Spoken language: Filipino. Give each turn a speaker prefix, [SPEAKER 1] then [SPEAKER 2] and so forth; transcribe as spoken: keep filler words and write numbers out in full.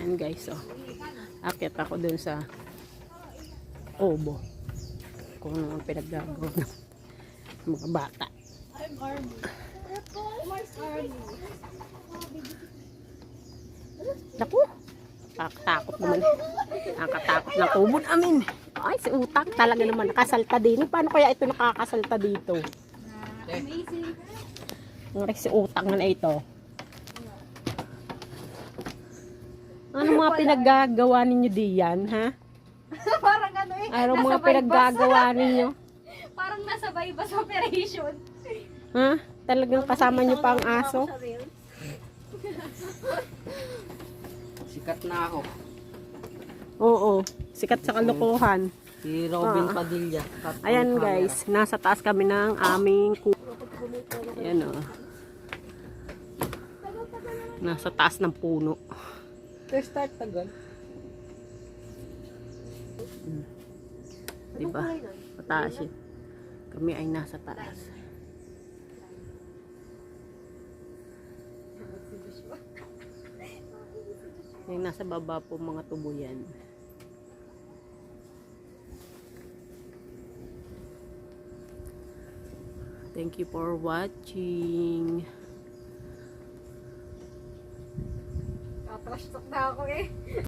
[SPEAKER 1] Ayan guys, oh. Akit ako dun sa obo. Kung ano ang pinaggagawa ng mga bata.
[SPEAKER 2] I'm Army. Army.
[SPEAKER 1] Naku, nakatakot naman. Nakatakot ng kubo namin. Ay, si Utak talaga naman nakasalta din. Paano kaya ito nakakasalta dito?
[SPEAKER 2] Amazing.
[SPEAKER 1] Ang si Utak na ito. Ano mga pinaggagawa ninyo diyan, ha?
[SPEAKER 2] Parang ano eh.
[SPEAKER 1] Ano
[SPEAKER 2] nasa
[SPEAKER 1] mga
[SPEAKER 2] bypass.
[SPEAKER 1] pinaggagawa ninyo?
[SPEAKER 2] Parang nasa bypass operation.
[SPEAKER 1] Ha? Talagang kasama nyo pa ang aso?
[SPEAKER 3] Sikat na ako.
[SPEAKER 1] Oo. Sikat sa kalokohan.
[SPEAKER 3] Si Robin
[SPEAKER 1] Ah.
[SPEAKER 3] Padilla.
[SPEAKER 1] Ayan guys, nasa taas kami ng aming ku... Ayan o. Nasa taas ng puno.
[SPEAKER 3] Restart tagal.
[SPEAKER 1] Hmm. Diba? Mataas yun. Kami ay nasa taas. Yung nasa baba po mga tubo yan. Thank you for watching.
[SPEAKER 2] Tatrash talk na ako eh.